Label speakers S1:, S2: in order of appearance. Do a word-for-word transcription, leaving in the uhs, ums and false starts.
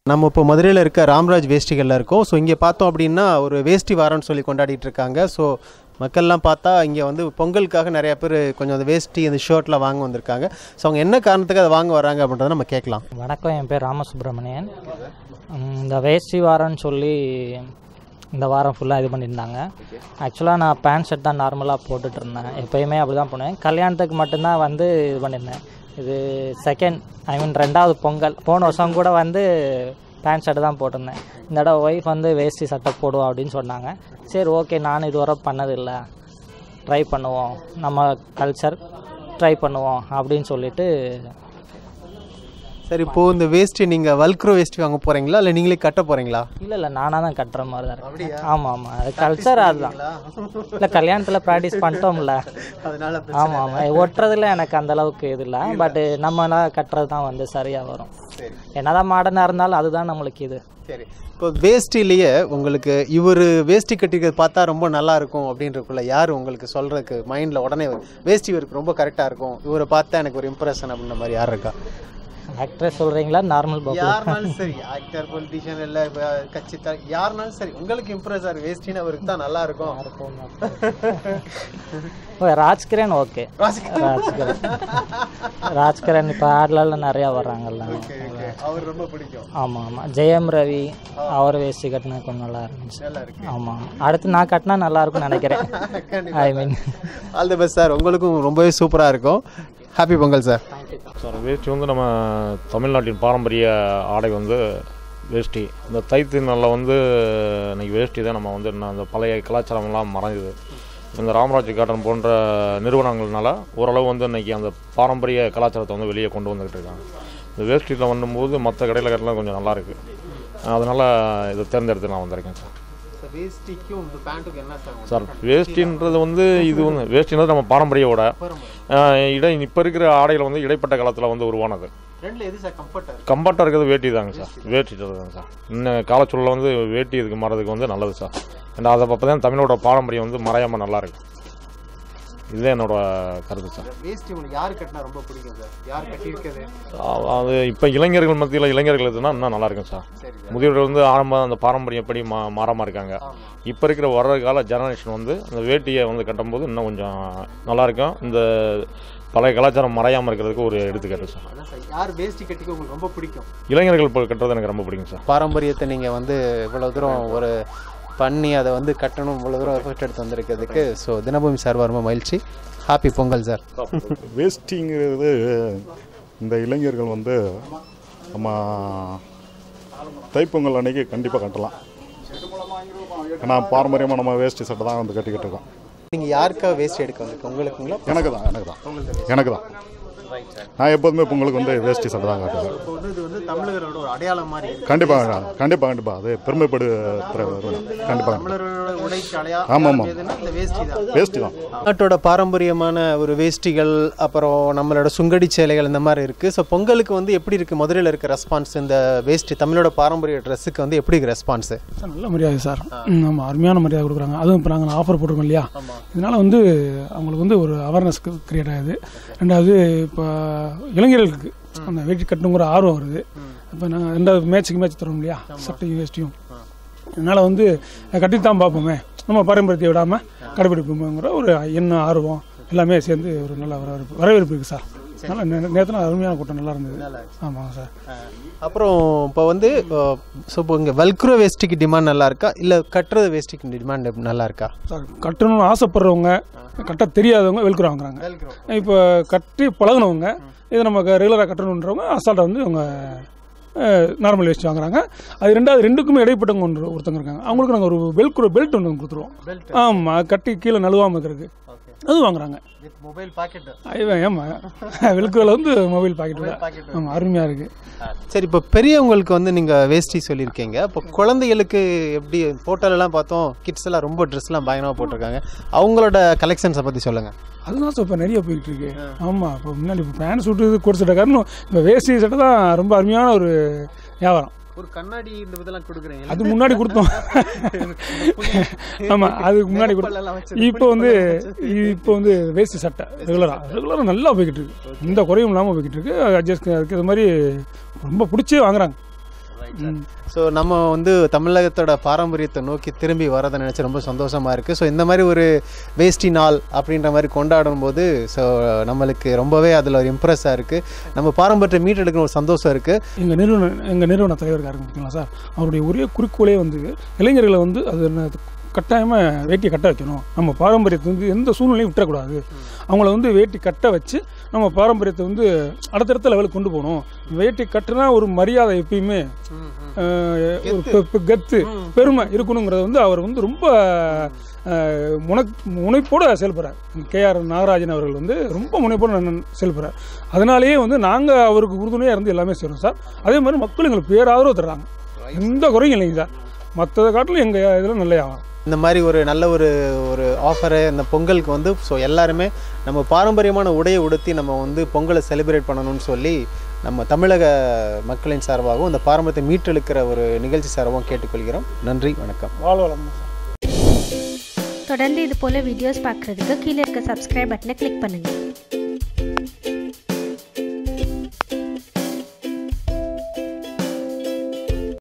S1: நம்ம இப்போ மதுரையில் இருக்க ராம்ராஜ் வேஷ்டிகளில் இருக்கோம். ஸோ இங்கே பார்த்தோம் அப்படின்னா ஒரு வேஷ்டி வாரம்னு சொல்லி கொண்டாடிட்டு இருக்காங்க. ஸோ மக்கள்லாம் பார்த்தா இங்கே வந்து பொங்கலுக்காக நிறைய பேர் கொஞ்சம் அந்த வேஷ்டி அந்த ஷர்ட்லாம் வாங்க வந்திருக்காங்க. ஸோ அவங்க என்ன காரணத்துக்கு அதை வாங்க வராங்க அப்படின்றத நம்ம கேட்கலாம்.
S2: வணக்கம், என் பேர் ராமசுப்ரமணியன். இந்த வேஷ்டி வாரம்னு சொல்லி இந்த வாரம் ஃபுல்லாக இது பண்ணியிருந்தாங்க. ஆக்சுவலாக நான் பேண்ட் ஷர்ட் தான் நார்மலாக போட்டுட்டு இருந்தேன், எப்போயுமே அப்படி தான் போனேன். கல்யாணத்துக்கு மட்டும்தான் வந்து இது பண்ணியிருந்தேன். இது செகண்ட் ஐ மீன் ரெண்டாவது பொங்கல். போன வருஷம் கூட வந்து பேண்ட் ஷர்ட்டு தான் போட்டிருந்தேன். இந்த தடவை ஒய்ஃப் வந்து வேஷ்டி சட்டை போடுவோம் அப்படின்னு சொன்னாங்க. சரி ஓகே, நான் இதுவரை பண்ணதில்லை, ட்ரை பண்ணுவோம், நம்ம கல்ச்சர் ட்ரை பண்ணுவோம் அப்படின்னு சொல்லிட்டு.
S1: சரி, இப்போது இந்த வேஷ்டி நீங்கள் வல்க்ரோ வேஷ்டி வாங்க போகிறீங்களா இல்லை நீங்களே கட்ட போகிறீங்களா?
S2: இல்லை இல்லை நானாக தான் கட்டுற மாதிரி தான் இருக்கு. ஆமாம் ஆமாம், அது கல்ச்சர் அதுதான். இல்லை கல்யாணத்தில் ப்ராக்டிஸ் பண்ணிட்டோம்ல, அதனால ஆமாம் ஆமாம், ஒட்டுறதுல எனக்கு அந்தளவுக்கு இது இல்லை. பட்டு நம்மளாம் கட்டுறது தான் வந்து சரியாக வரும். என்னதான் மாடர்னாக இருந்தாலும் அதுதான் நம்மளுக்கு இது.
S1: சரி, இப்போ வேஷ்டிலேயே உங்களுக்கு இவர் வேஷ்டி கட்டிக்கிறது பார்த்தா ரொம்ப நல்லா இருக்கும் அப்படின்றக்குள்ள யார் உங்களுக்கு சொல்கிறதுக்கு மைண்டில் உடனே வேஷ்டி இவருக்கு ரொம்ப கரெக்டாக இருக்கும், இவரை பார்த்தா எனக்கு ஒரு இம்ப்ரெஷன் அப்படின்ற மாதிரி யார் இருக்கா?
S2: ஆக்ட்ரஸ் சொல்கிறீங்களா, நார்மல் பாப்பு?
S1: யாருனாலும் சரி, ஆக்டர், பொலிட்டிஷியன் இல்லை கட்சி த யாருனாலும் சரி, உங்களுக்கு இம்ப்ரெஸ் ஆகிற வேஷ்டின்னு அவருக்கு தான் நல்லா இருக்கும்.
S2: ராஜ்கிரண் ஓகே, ராஜ்கிரண் ராஜ்கிரண் இப்போ ஆட்லாம் நிறையா வர்றாங்கல்ல,
S1: அவர் ரொம்ப பிடிக்கும்.
S2: ஆமாம் ஆமாம், ஜெயம் ரவி அவர் வேஷ்டி கட்டினா கொஞ்சம் நல்லா இருந்துச்சு. ஆமாம், அடுத்து நான் கட்டினா நல்லா இருக்கும்னு நினைக்கிறேன். I mean
S1: all the best sir, உங்களுக்கும் ரொம்பவே சூப்பராக இருக்கும். Happy Pongal sir.
S3: சார், வேஷ்டி வந்து நம்ம தமிழ்நாட்டின் பாரம்பரிய ஆடை வந்து வேஷ்டி. இந்த தைத்தினால வந்து இன்றைக்கி வேஷ்டி தான் நம்ம வந்து அந்த பழைய கலாச்சாரம்லாம் மறைஞ்சுது. இந்த ராம்ராஜ் காட்டன் போன்ற நிறுவனங்கள்னால ஓரளவு வந்து இன்றைக்கி அந்த பாரம்பரிய கலாச்சாரத்தை வந்து வெளியே கொண்டு வந்துக்கிட்டு இருக்காங்க. இந்த வேஷ்டியில் வந்தும்போது மற்ற கடையில் கட்டலாம் கொஞ்சம் நல்லாயிருக்கு, அதனால் இதை தேர்ந்தெடுத்து நான் வந்திருக்கேன் சார். சார், வேஷ்டின்றது வந்து இது வந்து வேஷ்டின்றது நம்ம பாரம்பரிய உடை. இடை இப்போ இருக்கிற ஆடையில் வந்து இடைப்பட்ட காலத்தில் வந்து உருவானது. கம்ஃபர்ட்டாக இருக்கிறது வேட்டி தாங்க சார், வேட்டி தாங்க சார். இன்னும் காலச்சூழலில் வந்து வேட்டி இதுக்கு மாறதுக்கு வந்து நல்லது சார். ஏன்னா அதை அப்போ தான் தமிழோட பாரம்பரியம் வந்து மறையாமல் நல்லாயிருக்கு. இதுதான் என்னோட கருத்து சார்.
S1: வேஷ்டி உங்களுக்கு யார் கட்டினா ரொம்ப பிடிக்கும் சார்? யார் கட்டியிருக்கிறது?
S3: அது இப்போ இளைஞர்கள் மத்தியில் இளைஞர்கள் எதுனா இன்னும் நல்லா இருக்கும் சார். முதியோர்கள் வந்து ஆரம்ப அந்த பாரம்பரியம் எப்படி மா மாறாமல் இருக்காங்க. இப்போ இருக்கிற வர்ற கால ஜெனரேஷன் வந்து அந்த வேட்டியை வந்து கட்டும்போது இன்னும் கொஞ்சம் நல்லாயிருக்கும். இந்த பழைய கலாச்சாரம் மறையாமல் இருக்கிறதுக்கு ஒரு எடுத்துக்காட்டு சார்.
S1: யார் வேஷ்டி கட்டிக்க உங்களுக்கு ரொம்ப பிடிக்கும்?
S3: இளைஞர்கள் இப்போ கட்டுறது எனக்கு ரொம்ப பிடிக்கும் சார்.
S1: பாரம்பரியத்தை நீங்கள் வந்து இவ்வளோ தூரம் ஒரு பண்ணி அதை வந்து கட்டணும், இவ்வளோ தூரம் எஃபர்ட் எடுத்து வந்திருக்கிறதுக்கு ஸோ தினபூமி சார் ரொம்ப மகிழ்ச்சி. Happy Pongal sir.
S4: வேஷ்டிங்கிறது இந்த இளைஞர்கள் வந்து நம்ம தைப்பொங்கல் அன்னைக்கு கண்டிப்பாக கட்டலாம். ஏன்னா பாரம்பரியமாக நம்ம வேஷ்டி சட்டை தான் வந்து கட்டிக்கிட்டு இருக்கோம்.
S1: நீங்கள் யாருக்காக வேஷ்டி எடுக்க வந்திருக்கோம்? உங்களுக்குங்களா?
S4: எனக்கு தான் எனக்கு தான் எனக்கு தான் நான் எப்போதுமே பொங்கலுக்கு வந்து வேஷ்டி சட்டை தான் காட்டுவேன்.
S1: தமிழர்களோட ஒரு அடையாளம் மாதிரி.
S4: கண்டிப்பாக கண்டிப்பாக கண்டிப்பாக அது பெருமைப்படுத்துகிற கண்டிப்பாக. ஆமாம் ஆமாம், வேஷ்டி தான்
S1: நாட்டோட பாரம்பரியமான ஒரு வேஷ்டிகள், அப்புறம் நம்மளோட சுங்கடி சேலைகள் இந்த மாதிரி இருக்குது. ஸோ பொங்கலுக்கு வந்து எப்படி இருக்குது மதுரையில் இருக்க ரெஸ்பான்ஸ்? இந்த வேஷ்டி தமிழோட பாரம்பரிய ட்ரெஸ்ஸுக்கு வந்து எப்படி இருக்குது ரெஸ்பான்ஸு?
S5: நல்ல மரியாதை சார், நம்ம அருமையான மரியாதை கொடுக்குறாங்க. அதுவும் இப்போ நாங்கள் ஆஃபர் போட்டிருக்கோம் இல்லையா, இதனால் வந்து அவங்களுக்கு வந்து ஒரு அவேர்னஸ் கிரியேட் ஆகுது. ரெண்டாவது இப்போ இளைஞர்களுக்கு அந்த வேட்டி கட்டணுங்கிற ஆர்வம் வருது. இப்போ நாங்கள் ரெண்டாவது மேட்சுக்கு மேட்ச் தரோம் இல்லையா, சட்டையும் வேஷ்டியும். அதனால் வந்து கட்டித்தான் பார்ப்போமே, நம்ம பாரம்பரியத்தை விடாமல் கடைபிடிப்போங்கிற ஒரு எண்ணம், ஆர்வம் எல்லாமே சேர்ந்து ஒரு நல்ல வரவேற்பு வரவேற்பு இருக்குது சார். நல்லா நேரத்தில் அருமையான கூட்டம் நல்லா இருந்தது. ஆமாங்க சார்.
S1: அப்புறம் இப்போ வந்து ஸோ இப்போ இங்கே வல்க்ரோ வேஷ்டிக்கு டிமாண்ட் நல்லா இருக்கா இல்லை கட்டுறது வேஷ்டிக்கு டிமாண்ட் நல்லா இருக்கா?
S5: சார், கட்டணும்னு ஆசைப்படுறவங்க, கட்ட தெரியாதவங்க வெல்க்ரோ வாங்குறாங்க. இப்போ கட்டி பழகினவங்க, இதை நம்ம ரெகுலராக கட்டணுன்றவங்க அசால்ட்டாக வந்து அவங்க நார்மல் வேஸ்ட் வாங்குறாங்க. அது ரெண்டாவது ரெண்டுக்குமே இடைப்பட்டவங்க ஒன்று ஒருத்தங்க இருக்காங்க, அவங்களுக்கு நாங்கள் ஒரு வெல்க்ரோ பெல்ட் ஒன்று கொடுத்துருவோம். ஆமாம், கட்டி கீழே நழுவாமல் இருக்கிறதுக்கு அது வாங்குறாங்க.
S1: Mobile pocket.
S5: ஆமாம், வெல்க்ரோவில் வந்து மொபைல் பாக்கெட். ஆமாம், அருமையாக இருக்குது.
S1: சரி, இப்போ பெரியவங்களுக்கு வந்து நீங்கள் வேஷ்டி சொல்லியிருக்கீங்க, இப்போ குழந்தைகளுக்கு எப்படி? ஃபோட்டோலலாம் பார்த்தோம் கிட்ஸ் எல்லாம் ரொம்ப ட்ரெஸ்லாம் பயங்கரமாக போட்டிருக்காங்க, அவங்களோட கலெக்ஷன்ஸை பற்றி சொல்லுங்கள்.
S5: அதுதான் சார் இப்போ நிறைய போயிட்டு இருக்கு. ஆமாம், இப்போ முன்னாடி இப்போ பேண்ட் சூட்டு கோட் சட்டை காரணம் இப்போ வேஷ்டி சட்டை தான் ரொம்ப அருமையான ஒரு வியாபாரம்.
S1: ஒரு கண்ணாடி இந்த இதெல்லாம் கொடுக்குறீங்க,
S5: அது முன்னாடி கொடுத்தோம். ஆமாம், அதுக்கு முன்னாடி கொடுத்தோம். இப்போ வந்து இப்போ வந்து வேஷ்டி சட்டை ரெகுலராக ரெகுலராக நல்லா போய்கிட்டு இருக்கு, எந்த குறையும் இல்லாமல் போய்கிட்டு இருக்கு. அட்ஜஸ்ட் அதுக்கு இது மாதிரி ரொம்ப பிடிச்சி வாங்குறாங்க.
S1: ஸோ நம்ம வந்து தமிழகத்தோட பாரம்பரியத்தை நோக்கி திரும்பி வரதை நினச்சி ரொம்ப சந்தோஷமாக இருக்குது. ஸோ இந்த மாதிரி ஒரு வேஷ்டி நாள் அப்படின்ற மாதிரி கொண்டாடும் போது ஸோ நம்மளுக்கு ரொம்பவே அதில் ஒரு இம்ப்ரெஸ்ஸாக இருக்குது. நம்ம பாரம்பரியத்தை மீட்டெடுக்கிற ஒரு சந்தோஷம் இருக்குது.
S5: எங்கள் நிறுவன எங்கள் நிறுவன தலைவருக்காக இருக்கு பார்த்தீங்களா சார், அவருடைய ஒரே குறிக்கோளே வந்து இளைஞர்களை வந்து அது கட்டாயமாக வேட்டியை கட்ட வைக்கணும். நம்ம பாரம்பரியத்தை வந்து எந்த சூழ்நிலையும் விட்டுறக்கூடாது. அவங்கள வந்து வேட்டி கட்ட வச்சு நம்ம பாரம்பரியத்தை வந்து அடுத்தடுத்த லெவலுக்கு கொண்டு போகணும். வேட்டி கட்டுனா ஒரு மரியாதை எப்பயுமே ஒரு கத்து பெருமை இருக்கணுங்கிறத வந்து அவர் வந்து ரொம்ப முனை முனைப்போடு செயல்படுறார். கே ஆர் நாகராஜன் அவர்கள் வந்து ரொம்ப முனைப்போடு செயல்படுறார். அதனாலேயே வந்து நாங்கள் அவருக்கு உறுதுணையாக இருந்து எல்லாமே செய்கிறோம் சார். அதே மாதிரி மக்கள் எங்களுக்கு பேராதரவு தர்றாங்க. எந்த குறையும் இல்லைங்க சார். மற்றதை காட்டிலும் எங்கள் இதில் நல்ல ஆகும்.
S1: இந்த மாதிரி ஒரு நல்ல ஒரு ஒரு ஆஃபரு இந்த பொங்கலுக்கு வந்து ஸோ எல்லாருமே நம்ம பாரம்பரியமான உடையை உடுத்தி நம்ம வந்து பொங்கலை செலிப்ரேட் பண்ணணும்னு சொல்லி நம்ம தமிழக மக்களின் சார்பாகவும் இந்த பாரம்பரியத்தை மீட்டெடுக்கிற ஒரு நிகழ்ச்சி சார்பாகவும் கேட்டுக்கொள்கிறோம். நன்றி, வணக்கம்.
S5: வாழ்வளம்.
S6: தொடர்ந்து இது போல வீடியோஸ் பார்க்குறதுக்கு கீழே இருக்க சப்ஸ்கிரைப் பட்டனை கிளிக் பண்ணுங்கள்.